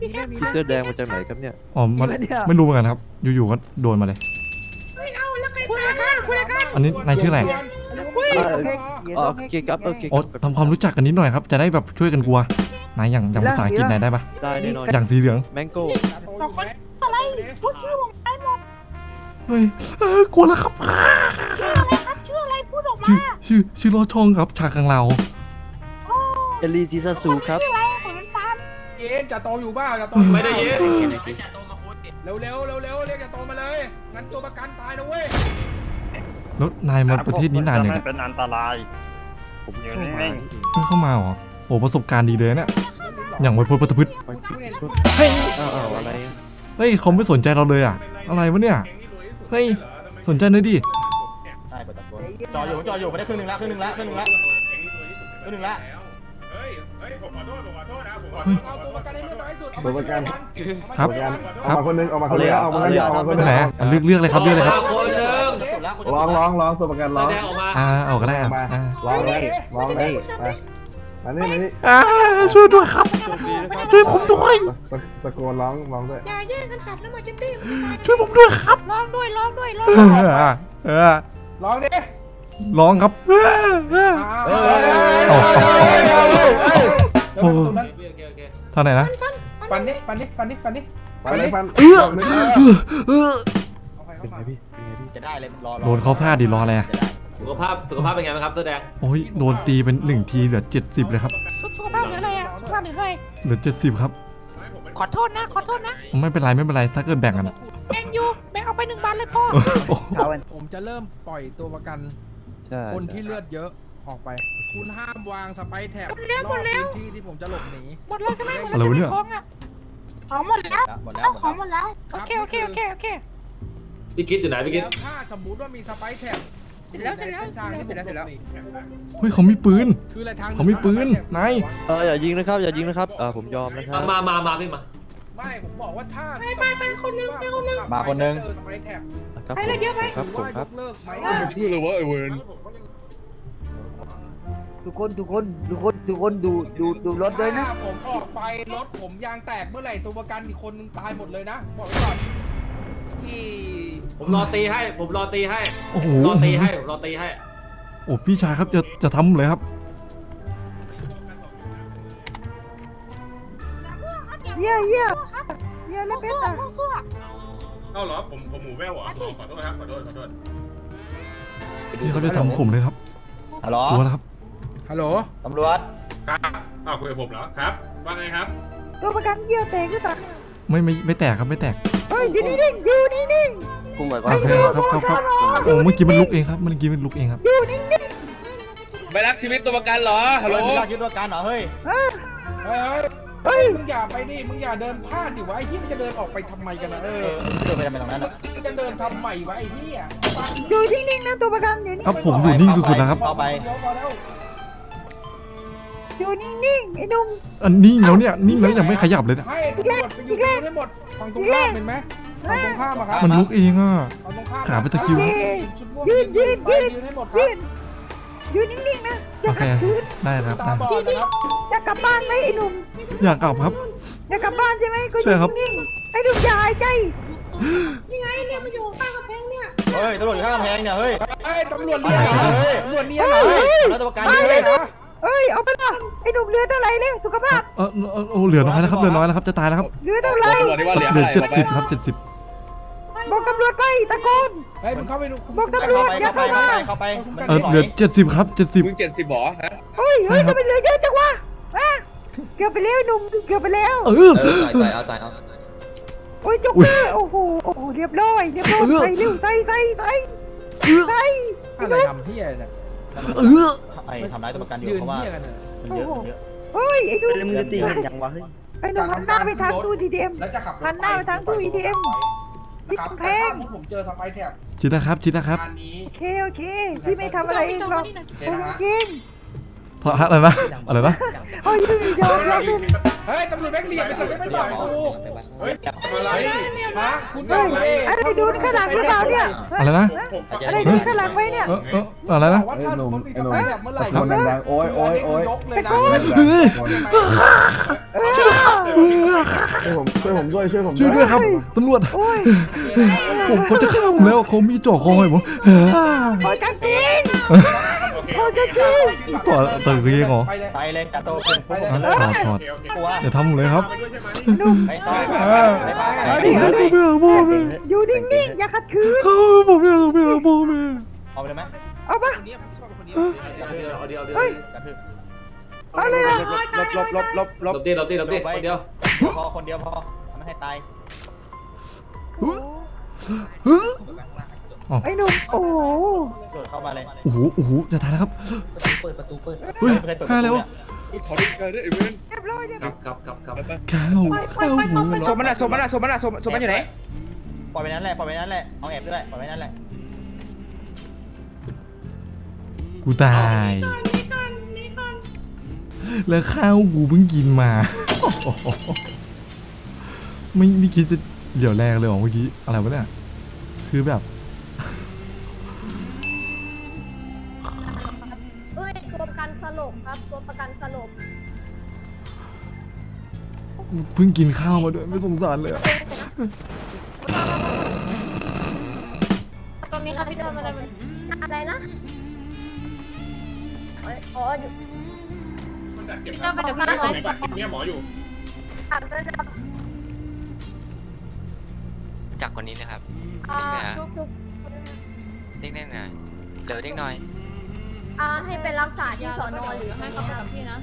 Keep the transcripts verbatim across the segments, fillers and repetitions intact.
พี่เสื้อแดงมาจากไหนครับเนี่ยอ๋อมันไม่รู้เหมือนกันครับอยู่ๆก็โดนมาเลยคุยกันคุยกันอันนี้นายชื่ออะไรโอเคครับโอเคโอ้ทำความรู้จักกันนิดหน่อยครับจะได้แบบช่วยกันกลัวนายอย่างอย่างภาษาอังกฤษนายได้ปะได้แน่นอนอย่างสีเหลืองแมงโก้ต่อคนอะไรพูดชื่อผมได้หมดเฮ้ยเออกลัวแล้วครับชื่ออะไรครับชื่ออะไรพูดออกมาชื่อชื่อชื่อโลช่องครับชากังเราเอลีซิซาซูครับชื่ออะไรผมน้ำตาลเย็นจะโตอยู่บ้าจะโตไม่ได้ยินเร็วเร็วเร็วเร็วเรียกจะโตมาเลยงั้นตัวประกันตายนะเว้ยแล้วนายมาประเทศนี้นานยังไม่เป็นอันตรายผมอยู่นิ่งเพิ่งเข้ามาเหรอโอ้ประสบการณ์ดีเลยเนี่ยอย่างไวโพลปัตพืชเฮ้ยอ้าวอะไรเฮ้ยเขาไม่สนใจเราเลยอ่ะอะไรวะเนี่ยเฮ้ยสนใจหน่อยดิๆได้ประตูจออยู่จออยู่ไม่ได้ครึ่งหนึ่งละครึ่งหนึ่งละครึ่งหนึ่งละครึ่งหนึ่งละเฮ้ยเฮ้ยผมขอโทษผมขอโทษนะผมขอโทษเอาตัวประกันให้น้อยที่สุดตัวประกันครับออกมาคนนึงออกมาคนเดียวออกมาคนเดียวออกมาคนไปเดียวไหนอ่ะเลือกเลือกเลยครับเลือกเลยครับคนหนึ่งร้องร้องร้องตัวประกันแสร้องดงออกมาอ่าเอาก็ได้ออ่ะอกมาอ่าร้องเลยร้องเลยมามานี่มานี่อ่าช่วยด้วยครับโชคดีนะครับช่วยผมด้วยตะโกนร้องร้องด้วยอย่าแย่งกันสับนะมาจิตตี้มันจะตายช่วยผมด้วยครับร้องด้วยร้องด้วยร้องเอด้วยอเออร้องดิร้องครับเออเออเฮ้ยโอ้โอเคโอเคเท่าไหร่นะฟันดิฟันดิฟันดิฟันดิฟันเลยฟันเออเออเออเป็นไงพี่เป็นไงพี่จะได้เลยรอโดนเขาฟาดดิรออะไรอ่ะสุขภาพสุขภาพเป็นไงบ้างครับแสดงโอ้ยโดนตีเป็นหนึ่งทีเหลือเจ็ดสิบเลยครับสุขภาพหรืออะไรอ่ะสุขภาพหรืออะไรเหลือเจ็ดสิบครับขอโทษนะขอโทษนะไม่เป็นไรไม่เป็นไรถ้าเกิดแบ่งกันอะแบ่งอยู่แบ่งเอาไปหนึ่งบาทเลยพ่อโอ้ผมจะเริ่มปล่อยตัวประกันใช่คนที่เลือดเยอะออกไป คุณห้ามวางสไปแท็บหมดแล้วรหมอบดแล้วพื้นที่ที่ผมจะหลบหนีหมดเลยใช่ไหมหมดแล้วใช่ไหมของอ่ะของหมดแล้วหมดแล้วเอาของหมดแล้วโอเคโอเคโอเคโอเคพี่กิ๊ดอยู่ไหนพี่กิ๊ดแล้วถ้าสมมุติว่ามีสไปแท็บเสร็จแล้วเสร็จแล้วทางที่ผมเสร็จแล้วเฮ้ยเขามีปืนคืออะไรทางเขามีปืนนายเอออย่ายิงนะครับอย่ายิงนะครับเออผมยอมนะครับมามามาพี่มาไม่ผมบอกว่าถ้าไปไปไปคนนึงไปคนนึงมาคนนึงเจอสไปแท็บครับไปเลยเยอะไปครับหผรือมว่าคยรับกเลิกไหมชื่อเลยว่าไอเวนทุกคนทุกคนทุกคนทุกคนดูดูดูรถด้วยนะถ้าผมออกไปรถผมยางแตกเมื่อไหร่ตัวประกันอีกคนนึงตายหมดเลยนะบอกไว้ก่อนที่ผมรอตีให้ ผมรอตีให้โอ้โหรอตีให้ผมรอตีให้โอ้พี่ชายครับจะจะทำเลยครับเยี่ยเยี่ยเยี่ยแล้วสู้เป็นอะสู้เอ้าเหรอผมผมหมูแว่วเหรอขอโทษครับขอโทษขอโทษพี่เขาจะทำผมเลยครับฮัลโหลกลัวแล้วครับฮัลโหลตำรวจครับอ้าวคุยกับผมเหรอครับว่าไงครับตัวประกันเยี่ยแตกหรือเปล่าไม่ไม่ไม่แตกครับไม่แตกเฮ้ยอยู่นิ่งๆอยู่นิ่งกูหมายคโอวามเคครับครับครับโอ้เมื่อกี้มันลุกเองครับเมื่อกี้มันลุกเองครับๆอยู่นิ่งไม่รักชีวิตตัวประกันเหรอฮัลโหลไม่ได้คิดตัวการเหรอเฮ้ยๆเฮ้ยเฮ้ยเฮ้ยมึงอย่าไปดิมึงอย่าเดินพลาดดิวะไอ้ที่มันจะเดินออกไปทำไมกันนะเอเอออเดินไปทำไมตรงนั้นอ่ะมึงจะเดินทำใหม่วะไอ้ที่อ่ะอยู่นิ่งๆนะตัวประกันอยู่นิ่งครับผมอยู่นิ่งสุดๆแล้วครับเข้าไปเดี๋ยวพอแล้วอยู่นิ่งๆไอ้หนุ่มอันนิ่งแล้วเนี่ยนิ่งแล้วยังไม่ขยับเลยนะให้ตำรวจไปอยู่ตรงนู้นให้หมดฝั่งตรงข้ามเห็นไหมฝั่งตรงข้ามอะครับมันลุกเองอ่ะฝั่งตรงข้ามขาเป็นตะคริวโอเคชุดม่วงยืนยืนไปยืนยืนให้หมดครัยืบนอยู่นิ่งๆนะอย่าโอเคขัดขืนได้ครับตาได้บอดนะครับอยากกลับบ้านไหมไอ้หนุ่มอยากกลับครับอยากกลับบ้านใช่ไหมก็อใช่ยู่ครับนิ่งๆไอ้หนุ่มอย่าหายใจนี่ไงเนี่ยมาอยู่ข้างกำแพงเนี่ยเฮ้ยตำรวจอยู่ข้างกำแพงเนี่ยเฮ้ยเฮ้ยตำรวจเรียกเหรอเฮ้ยตำรวจเรียกเหรอแล้วตัวการเฮ้อยู่ยเลยไอ้หนุ่มเฮ้ยเอาไปละไอ้หนุ่มเรือเท่าไหร่เนี่ยสุขภาพเออเออโอ้เหลือน้อยแล้วครับเหลือน้อยแล้วครับจะตายแล้วครับเรือเท่าไหร่ตำรวจที่ว่าเหลือเหลืออะไรเจ็ดบอกไปสิบครับเจ็ดสิบบอกตำรวจไปตะโกนเฮ้ยมึงเข้าไปดูบอกตำรวจอย่าเข้าไปเข้าเข้ามาไปเข้าไปเออเหลือเจ็ดสิบครับเจ็ดสิบมึงเจ็ดสิบหรอฮะเฮ้ยเฮ้ยทำไมเหลือเยอะจังวะอ่ะเกือบไปแล้วหนุ่มเกือบไปแล้วเออตายเอาตายเอาโอ้ยจบอุ๊ยเลยโอ้โหโอ้โหเรียบร้อยเรียบร้อยเออใส่เร็วใส่ใส่ใส่ใส่อะไรทำที่อะไรเนี่ยเออไอ้ทำร้ายตัวประกันอยู่ยืนเพราะว่าเที่ยกันเนี่ยมันเยอะมันเยอะเฮ้ยไอ้หนุ่มแล้วมึงจะตีกันยังวะเฮ้ยไอ้หนุ่มหันหน้าไปทางตู้ทีดีเอ็มแล้วจะขับรถหันหน้าไปทางตู้ อี ที เอ็มนะครับแพแต่งถ้ามุดผมเจอสไปแท็บชิดนะครับชิดนะครับงานนี้โอเคโอเคพี่ไม่ทำอะไรเองหรอกโอเคผมนะฮะจริงเพราะอะไรนะอะไรนะโอ้ยยืนยอมยอมยืนเฮ้ยตำรวจแบงค์เหลี่ยมไปสั่งไม่ต่อยกูเฮ้ยทำอะไรฮะคุณเฮ้ยไปอะไรดูข้างหลังหรือเปล่าเนี่ยอะไรนะอะไรดูข้างหลังไว้เนี่ยเออเอออะไรนะว่าถ้าสมมติมีสไปแท็บเมื่อไหร่คนดังๆโอ้ยโอ้ยโอ้ยยกเลยนะเฮ้ยเออช่วยผมช่วยผมด้วยช่วยผมช่วยด้วยครับตำรวจโอ้ยผมเขาจะฆ่าผมแล้วเขามีจ่อคอให้ผมโอ้ยกันปิงโอเคโอ้ยกันปิงต่อต่อคือยังเหรอไปเลยไปเลยกาโตเป็นพวกผมอ่ะถอดถอดโอเคโอเคกลัวอย่าทำผมเลยครับไปด้วยใช่ไหมไม่ต้องอ่าไม่ไปเอาไปดิเอาดิผมอยากพ่อแม่อยู่นิ่งๆอย่าขัดขืนเขาผมอยากไปหาพ่อแม่เอาไปเลยไหมเอาปะเอาเดียวเอาเดียวเอาเดียวเฮ้ยกระทืบเอาเลยอ่ะลบลบลบลบลหลบบดิหลบดิหลบดิคนเดียวพอคนเดียวพอทำไม่ให้ตายไอ้หนุ่มโอ้โหโดดเข้ามาเลยโอ้โหโอ้โหจะตายแล้วครับเปิดประตูเปิดเฮ้ยไม่เคยเปิดฆ่าแล้วขอได้เกิดด้วยไอ้เว้นเรียบร้อยเรียบคร้รัอบ ยครับครับครับข้าวข้าวหมูสมมันอะสมมันอะสมมันอะสมสมมันอยู่ไหนปล่อยไปนั้นแหละปล่อยไปนั้นแหละเอาแอบด้วยปล่อยไปนั้นแหละกูตาย แล้วข้าวกูเพิ่งกินมา ไม่ไม่คิดจะเดี๋ยวแรกเลยเหรอเมื่อกี้อะไรวะเนี่ยคือแบบเฮ้ยตัวประกันสลบครับ ตัวประกันสลบเพิ่งกินข้าวมาด้วยไม่สงสารเลยอะตรงนี้ครับพี่เดินมาเลยอะไรนะเอ้ยอ๋ออยู่มันจัดเก็บพี่เดินไปกับพี่ได้ไหมไหนบัตรเนี่ยหมออยู่อ่านไปเลยครับจากคนนี้นะครับอ่าทุกทุกเด้งได้หน่อยเดี๋ยวเด้งหน่อยอ่าให้ไปรักษาที่สอนอหรือให้เขาไปกับพี่นะ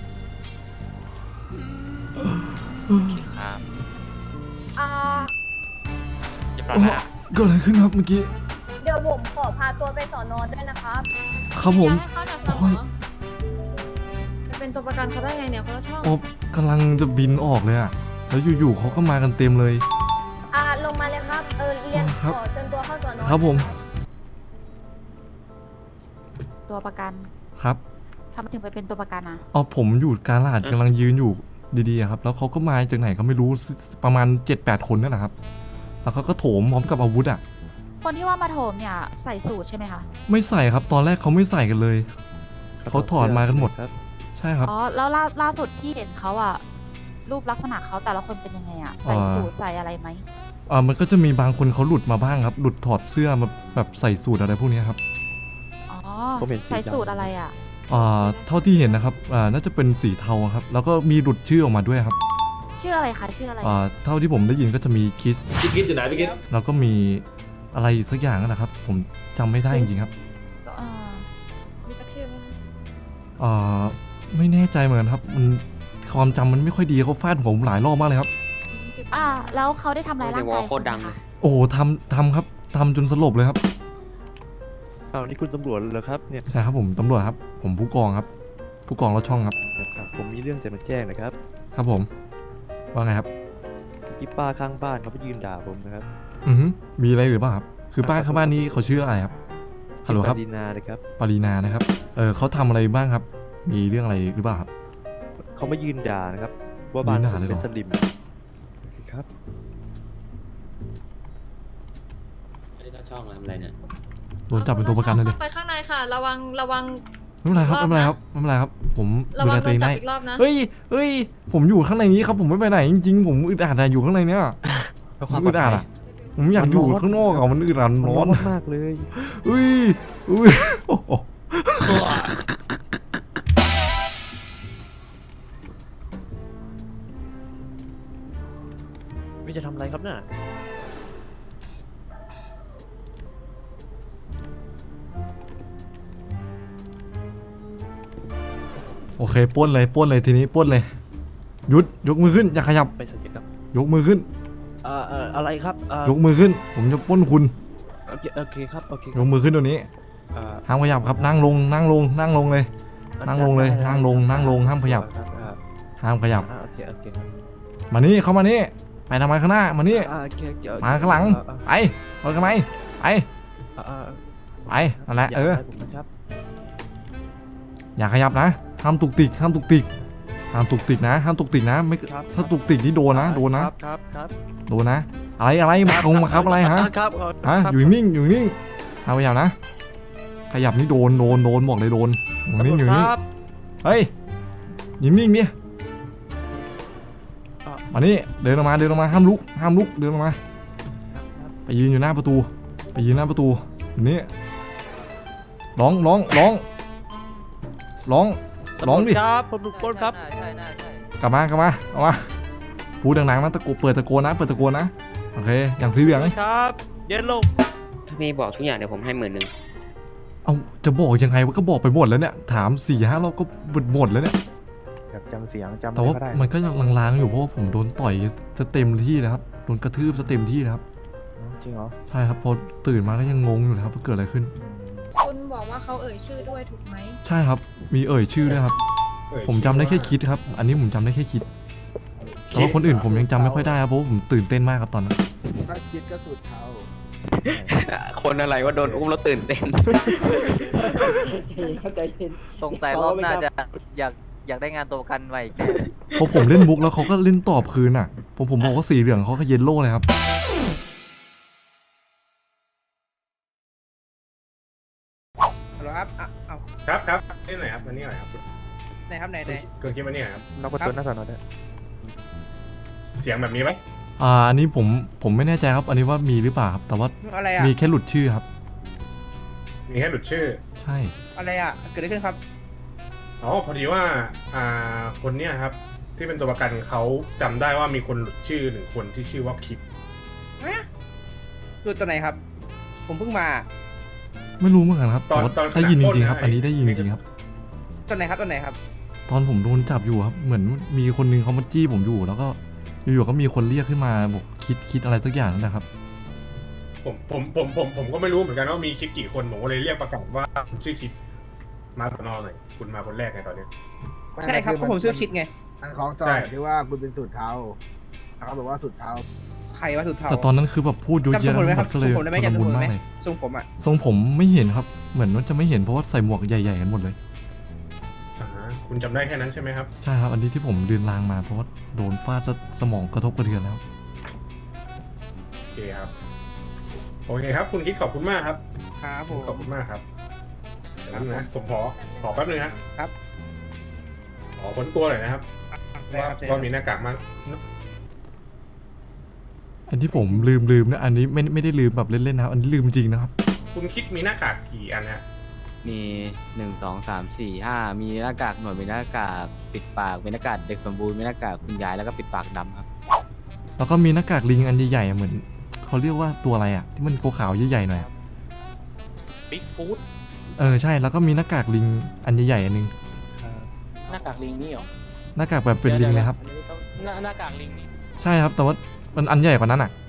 โอเคครับอ่าเรียบร้อยโอ้แล้วเกิดอะไรขึ้นครับเมื่อกี้เดี๋ยวผมขอพาตัวไปสอนอด้วยนะครับครับผมให้เขาจับโอ้ยจะเป็นตัวประกันเขาได้ไงเนี่ยเขาชอบโอ้กำลังจะบินออกเลยอะแล้วอยู่ๆเขาก็มากันเต็มเลยอ่าลงมาเลยครับ เออเรียนครับขอเชิญตัวเข้าสอนอครับผมตัวประกันครับทำไมถึงไปเป็นตัวประกันอ่ะเอาผมอยู่กลางลาดกำลังยืนอยู่ดีๆอะครับ แล้วเขาก็มาจากไหนก็ไม่รู้ประมาณ เจ็ดแปด คนนั่นแหละครับ แล้วเขาก็โถมพร้อมกับอาวุธอ่ะคนที่ว่ามาโถมเนี่ยใส่สูตรใช่ไหมคะไม่ใส่ครับตอนแรกเขาไม่ใส่กันเลย เขาถอดมากันหมดครับใช่ครับอ๋อแล้วล่าล่าสุดที่เห็นเขาอ่ะรูปลักษณะเขาแต่ละคนเป็นยังไงอ่ะใส่อ่าสูตรใส่อะไรไหมอ่ามันก็จะมีบางคนเขาหลุดมาบ้างครับ หลุดถอดเสื้อมาแบบใส่สูทอะไรพวกนี้ครับอ๋อผมเห็นสีใส่ดำสูตรอะไรอ่ะอ่าเท่าที่เห็นนะครับอ่าน่าจะเป็นสีเทาครับ แล้วก็มีหลุดชื่อออกมาด้วยครับชื่ออะไรคะชื่ออะไรอ่าเท่าที่ผมได้ยินก็จะมีคิสพี่กิ๊ดอยู่ไหนพี่กิ๊ดแล้วก็มีอะไรอีกสักอย่างนั่นแหละครับ ผมจำไม่ได้จริงๆครับอ่ามีสักชื่อไหมคะอ่าไม่แน่ใจเหมือนกันครับมันความจำมันไม่ค่อยดีเขาฟาดผมหลายรอบมากเลยครับอ่าแล้วเขาได้ทำร้ายร่างกายโคตรดังณไหมเลยคะโอ้โหทำทำครับทำจนสลบเลยครับอ้าวนี่คุณตำรวจเหรอครับเนี่ยใช่ครับผมตำรวจครับ ผมผู้กองครับ ผู้กองรถช่องครับครับ ผมมีเรื่องจะมาแจ้งนะครับครับผม ว่าไงครับที่ป้าข้างบ้านเขาไปยืนด่าผมนะครับอือฮึมีอะไรหรือเปล่าครับ คือป้าข้างบ้านนี้เขาชื่ออะไรครับ ฮัลโหลครับปารีนาเลยครับปารีนานะครับ เออเขาทำอะไรบ้างครับ มีเรื่องอะไรหรือเปล่าครับเขามายืนด่านะครับ ว่าบ้านยืนด่าผมเลยเหรเป็อนสลิมโอเคครับไอ้หน้าช่องมาทำอะไรเนี่ยโดนจับเป็นตัวประกันเลยดิไปข้างในค่ะ ระวังระวังไม่เป็นไรครับ ไม่เป็นไรครับ ไม่เป็นไรครับ ผมระดูวัแลงโดตัวเอน งจับได้อีกรอบนะเฮ้ย เฮ้ย ผมอยู่ข้างในนี้ครับ ผมไม่ไปไหนจริงๆ ผมอึดอัดอะอยู่ข้างในเนี้ยผมอึดอัดอะผมอยากอยู่ข้างนอกอะมันอึดอัดมันร้ร้ออน นมากเลยอุ้ยอุ้ยโอ้โหไม่จะทำอะไรครับน่ะโอเคปล้นเลยปล้นเลยทีนี้ปล้นเลยหยุดยกมือขึ้นอย่าขยับไปสัญญกรรมยกมือขึ้นเอ่อเอ่ออะไรครับเอ่อยกมือขึ้น ผมจะปล้นคุณโอเคโอเคครับโอเคคยรับกมือขึ้นตัวนี้เอ่อห้ามขยับครับนั่งลงนั่งลงนั่งลงเลย นั่งลงเลยนั่งลงนั่งลงห้ามขยับครับอ่าห้ามขยับอ่าโอเคโอเคครับมานี่เข้ามานี่ไปทำไมข้างหน้ามานี่อ่าโอเคโอเคโอเคมาข้างหลังอ่าไปไปทำไมไปอ่าอ่าไปนั่นแหละย่าเออทำร้ายผมนะครับอย่าขยับนะห้ามตุกติกห้ามตุกติกห้ามตุกติกนะห้ามตุกติกนะไม่ครับถ้าตุกติกนี่โดนนะโดนนะครับครับครับโดนนะ อะไรอะไรมาคงมาครับอะไรฮะครับฮะครับอยู่นิ่งอยู่นิ่งห้ามขยับนะ ขยับนี่โดนโดนโดนบอกเลยโดนอยู่นิ่งอยู่นิ่งครับเฮ้ยอยู่นิ่งดิอ่ามานี่เดินออกมาเดินออกมาห้ามลุกห้ามลุกเดินออกมาไปยืนอยู่หน้าประตูไปยืนหน้าประตูนี่ร้องร้องร้องร้องร้องดิครับผมถูกปล้นครับใช่ใช่ใช่กลับมากลับมาเอามาพูดดังๆนะตะโกนเปิดตะโกนนะเปิดตะโกนนะโอเคอย่างสีเหลืองครับเย็นลงถ้าพี่บอกทุกอย่างเดี๋ยวผมให้หมื่นหนึ่งเอาจะบอกยังไงวะก็บอกไปหมดแล้วเนี่ยถามสี่ห้ารอบก็หมดหมดแล้วเนี่ยแบบจำเสียงจำแต่ว่าก็ได้มันก็ยังลางๆอยู่เพราะว่าผมโดนต่อยจะเต็มที่แล้วครับโดนกระทืบจะเต็มที่แล้วครับจริงเหรอใช่ครับพอตื่นมาก็ยังงงอยู่เลยครับว่าเกิดอะไรขึ้นคุณบอกว่าเขาเอ่ยชื่อด้วยถูกไหมใช่ครับมีเอ่ยชื่อด้วยครับ ผมจำได้แค่คิดครับ อันนี้ผมจำได้แค่คิดแต่ว่าคนอื่นผมยังจำไม่ค่อยได้ครับเพราะว่าผมตื่นเต้นมากครับตอนนั้นถ้าคิดก็สุดเท้าคนอะไรว่าโดนอุ้มแล้วตื่นเต้นเข้าใจเย็นสงสัยรอบหน้าจะอยากอยากได้งานตัวประกันไว้อีกแน่พอผมเล่นมุกแล้วเขาก็เล่นตอบคืนอ่ะผมผมบอกว่าสีเหลืองเขาก็เยลโล่เลยครับฮัลโหลครับอ่ะเอาครับครับนี่หน่อยครับมานี่หน่อยครับไหนครับไหนไหนเกิดคิดมานี่หน่อยครับนอกประตูหน้าสอนอได้เสียงแบบนี้ไหมอ่าอันนี้ผมผมไม่แน่ใจครับ อันนี้ว่ามีหรือเปล่าครับแต่ว่าอะไรอ่ะมีแค่หลุดชื่อครับมีแค่หลุดชื่อใช่อะไรอ่ะเกิดอะไรขึ้นครับอ๋อพอดีว่าอ่าคนเนี้ยครับ ที่เป็นตัวประกันเขาจำได้ว่ามีคนหลุดชื่อหนึ่งคนที่ชื่อว่าคิดดูตัวไหนครับ ผมเพิ่งมาไม่รู้เหมือนกันครับแต่ว่าได้ยินจริงๆครับ อันนี้ได้ยินจริงๆครับตัวไหนครับตัวไหนครับตอนผมโดนจับอยู่ครับเหมือนมีคนนึงเขามาจี้ผมอยู่แล้วก็อยู่ๆก็มีคนเรียกขึ้นมาบอกคิดคิดอะไรสักอย่างนั่นนะครับผมผมผมผมผมก็ไม่รู้เหมือนกันว่ามีคิดกี่คนผมก็เลยเรียกประกาศว่าชื่อคิดมาสนอหน่อยคุณมาคนแรกไงตอนเนี้ยใช่ครับก็ผมชื่อคิดไงอันของจอใช่ยที่ว่าคุณเป็นสุดเท้าเขาบอกว่าสุดเท้าใครว่าสุดเทาแต่ตอนนั้นคือแบบพูดเยอะจำทรแยะงผมได้ไหมหคมรับดก็ทเลรยงผมได้ไหมชุลจำทรมุงนผมได้มากไหมเลยทรงผมอ่ะทรงผมไม่เห็นครับเหมือนว่าจะไม่เห็นเพราะว่าใส่หมวกใหญ่ๆกันหมดเลยอ่าฮะคุณจำได้แค่นั้นใช่ไหมครับใช่ครับอันนี้ที่ผมเดินลางมาเพราะว่าโดนฟาดแล้วสมองกระทบกระเทือนแล้วโอเคครับโอเคครับ คุณคิดขอบคุณมากครับครับผมขอบคุณมากครับเดี๋ยวนะผมขอขอแป๊บนึงครับครับขอค้นตัวหน่อยนะครับได้ว่าครับได้คว่ารับมีหน้ากากมั้งอันที่ผมลืมลืมนะอันนี้ไม่ไม่ได้ลืมแบบเล่นๆนะครับอันนี้ลืมจริงนะครับคุณคิดมีหน้ากากกี่อันฮะมีหนึ่งสองสามสี่ห้ามีหน้ากากหนวดมีหน้ากากปิดปากมีหน้ากากเด็กสมบูรณ์มีหน้ากากคุณยายแล้วก็ปิดปากดำครับแล้วก็มีหน้ากากลิงอันใหญ่ๆอะเหมือนเขาเรียกว่าตัวอะไรอ่ะที่มันขาวๆใหญ่ๆหน่อยอะบิ๊กฟู้ดเออใช่แล้วก็มีหน้ากากลิงอันใหญ่ๆอันนึงหน้ากากลิงนี่เหรอหน้ากากแบบเป็นลิงเลยครับหน้าหน้ากากลิงนี่ใช่ครับแต่ว่ามันอันใหญ่กว่านั้นอ่ะ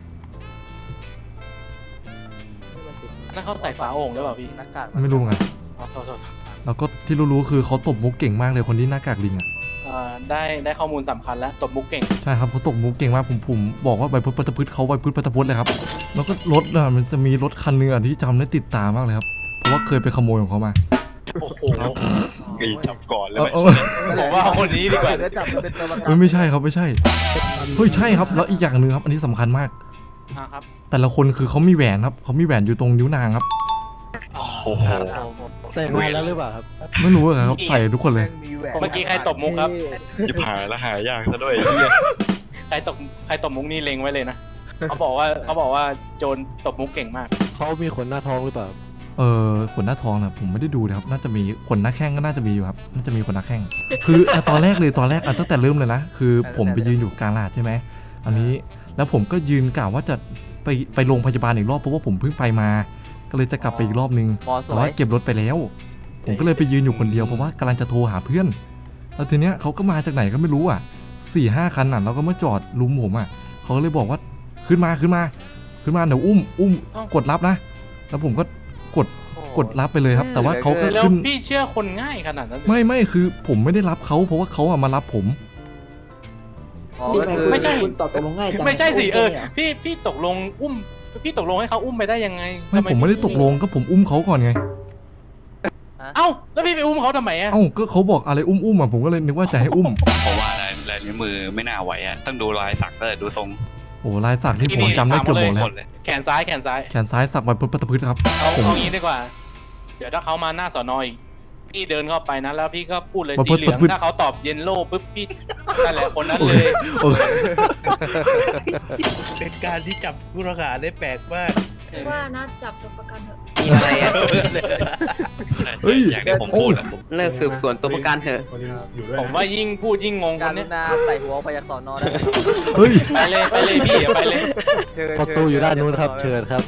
นั่นเขาใส่ฝาโอ่งหรือเปล่าพี่หน้ากากไม่รู้ไงอ๋อโทษโทษแล้วก็ที่รู้ๆคือเขาตบมุกเก่งมากเลยคนที่หน้ากากลิงอ่ะอ่าได้ได้ข้อมูลสำคัญแล้วตบมุกเก่งใช่ครับเขาตบมุกเก่งมากผมผมบอกว่าใบพุทธปัตตพืชเขาใบพุทธปัตตพุทธเลยครับแล้วก็รถอ่ะมันจะมีรถคันหนึงอ่ะที่จำได้ติดตามากเลยครับเพราะว่าเคยไปขโมยของเขามาโอ้โหมีจับก่อนเลยเออเออผมว่าคนนี้ดีกว่าจะจับมันเป็นตัวประกัเฮ้ยไม่ใช่ครับไม่ใช่เฮ้ยใช่ครับแล้วอีกอย่างหนึ่งครับ อันนี้สำคัญมากอ่าครับแต่ละคนคือเขามีแหวนครับเขามีแหวนอยู่ตรงนิ้วนางครับโอ้โหแต่งงานแล้วหรือเปล่าครับไม่รู้อะครับใส่ทุกคนเลยเมื่อกี้ใครตบมุกครับจะหายแล้วหายยากซะด้วยใครตบใครตบมุกนี่เล็งไว้เลยนะ เขาบอกว่าเขาบอกว่าโจรตบมุกเก่งมากเขามีขนหน้าท้องหรือเปล่าเออขนหน้าทองนะผมไม่ได้ดูนะครับน่าจะมีขนหน้าแข้งก็น่าจะมีอยู่ครับน่าจะมีขนหน้าแข้งคืออ่ะตอนแรกเลยตอนแรกอ่ะตั้งแต่เริ่มเลยนะคือผมไปยืนอยู่กลางลาดใช่ไหมอันนี้แล้วผมก็ยืนกล่าวว่าจะไปไปโรงพยาบาลอีกรอบเพราะว่าผมเพิ่งไปมา ก็เลยจะกลับไปอีกรอบนึงแต่ว่าเก็บรถไปแล้ว ผมก็เลยไปยืนอยู่คนเดียวเพราะว่ากำลังจะโทรหาเพื่อนแล้วทีเนี้ยเขาก็มาจากไหนก็ไม่รู้อ่ะสี่ห้าคันอ่ะแล้วก็มาจอดลุมผมอ่ะเขาก็เลยบอกว่าขึ้นมาขึ้นมาขึ้นมาเดี๋ยวอุ้มอุ้มเอ้ากดรับนะ แล้วผมก็กดกดรับไปเลยครับ แต่ว่าเขาก็แล้วขึ้นพี่เชื่อคนง่ายขนาดนั้นเลยไม่ไม่คือผมไม่ได้รับเขาเพราะว่าเขาอะมารับผมไม่ใช่คุณตอบตกลงง่ายจังไม่ใช่สิเออโคนี่ยพี่พี่ตกลงอุ้ม พี่ตกลงให้เขาอุ้มไปได้ยังไงไม่ทำผมไม่ได้ตกลงก็ผมอุ้มเขาก่อนไงเอ้าแล้วพี่ไปอุ้มเขาทำไมอ่ะเอ้าก็เขาบอกอะไรอุ้มอุ้มอะผมก็เลยนึกว่าจะให้อุ้มเพราะว่าลายลายนิ้วมือไม่น่าไหวอ่ะต้องดูลายสักก็เลยดูทรงโอ้ลายสักที่ผมจำได้เกือบหมดแล้วเลยแขนซ้ายแขนซ้ายแขนซ้ายสักไว้พุทธปัตตพืชครับเอาผมเอางี้ดีกว่า เดี๋ยวถ้าเขามาหน้าสอนออีกพี่เดินเข้าไปนะแล้วพี่ก็พูดเลยมาสีพูดเหลืองพูดถ้าเขาตอบเยนโล่ปุ๊บพี่นั่นแหละคนนั้นโอเลเคยโอเคเป็นการที่จับผู้ต้องหาได้แปลกมากว่านะจับตัวประกันเถอะอะไรอ่ะเฮ้ยอย่างที่ผมพูดอะผมเลิกสืบสวนตัวประกันเถอะคนนี้อยู่ด้วยผมว่ายิ่งพูดยิ่งงงคนเนี้ยใส่หัวไปจากสอนอได้เฮ้ยไปเลยไปเลยพี่ไปเลยประตูอยู่ด้านนู้นครับ เชิญครับ